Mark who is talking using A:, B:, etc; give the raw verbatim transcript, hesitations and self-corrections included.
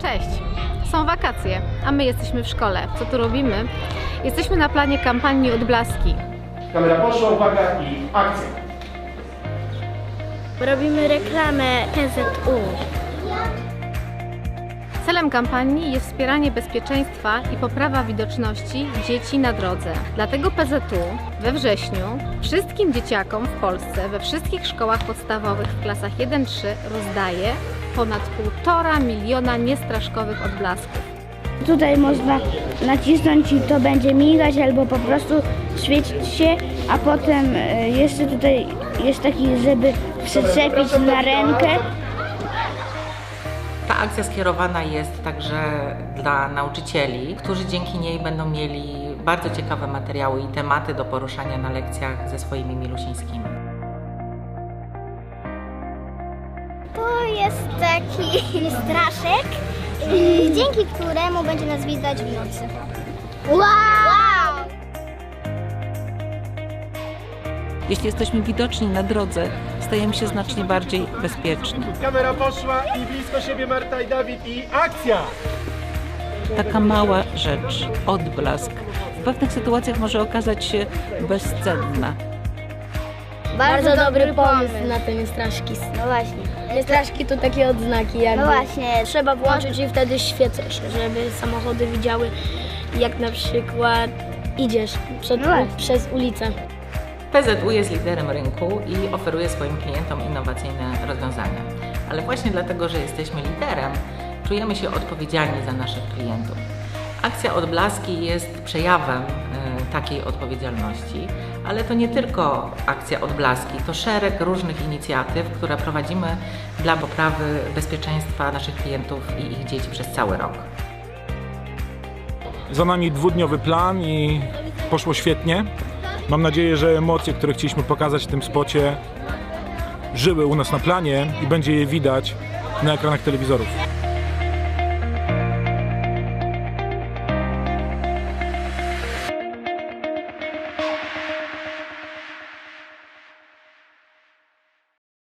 A: Cześć! Są wakacje, a my jesteśmy w szkole. Co tu robimy? Jesteśmy na planie kampanii Odblaski.
B: Kamera poszła, uwaga i akcja!
C: Robimy reklamę P Z U.
A: Celem kampanii jest wspieranie bezpieczeństwa i poprawa widoczności dzieci na drodze. Dlatego P Z U we wrześniu wszystkim dzieciakom w Polsce, we wszystkich szkołach podstawowych w klasach jeden trzy rozdaje ponad półtora miliona niestraszkowych odblasków.
C: Tutaj można nacisnąć i to będzie migać albo po prostu świecić się, a potem jeszcze tutaj jest taki, żeby przyczepić na rękę.
D: Ta akcja skierowana jest także dla nauczycieli, którzy dzięki niej będą mieli bardzo ciekawe materiały i tematy do poruszania na lekcjach ze swoimi milusińskimi.
E: To jest taki straszek, dzięki któremu będzie nas widać w nocy. Wow!
F: Jeśli jesteśmy widoczni na drodze, stajemy się znacznie bardziej bezpieczni.
B: Kamera poszła i blisko siebie Marta i Dawid i akcja!
F: Taka mała rzecz, odblask, w pewnych sytuacjach może okazać się bezcenna.
G: Bardzo dobry pomysł na te niestraszki.
E: No właśnie.
G: Niestraszki to takie odznaki jakby.
E: No właśnie.
G: Trzeba włączyć i wtedy świecą się, żeby samochody widziały, jak na przykład idziesz przed,
E: No właśnie.
G: przez ulicę.
D: P Z U jest liderem rynku i oferuje swoim klientom innowacyjne rozwiązania. Ale właśnie dlatego, że jesteśmy liderem, czujemy się odpowiedzialni za naszych klientów. Akcja Odblaski jest przejawem y, takiej odpowiedzialności, ale to nie tylko akcja Odblaski, to szereg różnych inicjatyw, które prowadzimy dla poprawy bezpieczeństwa naszych klientów i ich dzieci przez cały rok.
H: Za nami dwudniowy plan i poszło świetnie. Mam nadzieję, że emocje, które chcieliśmy pokazać w tym spocie, żyły u nas na planie i będzie je widać na ekranach telewizorów.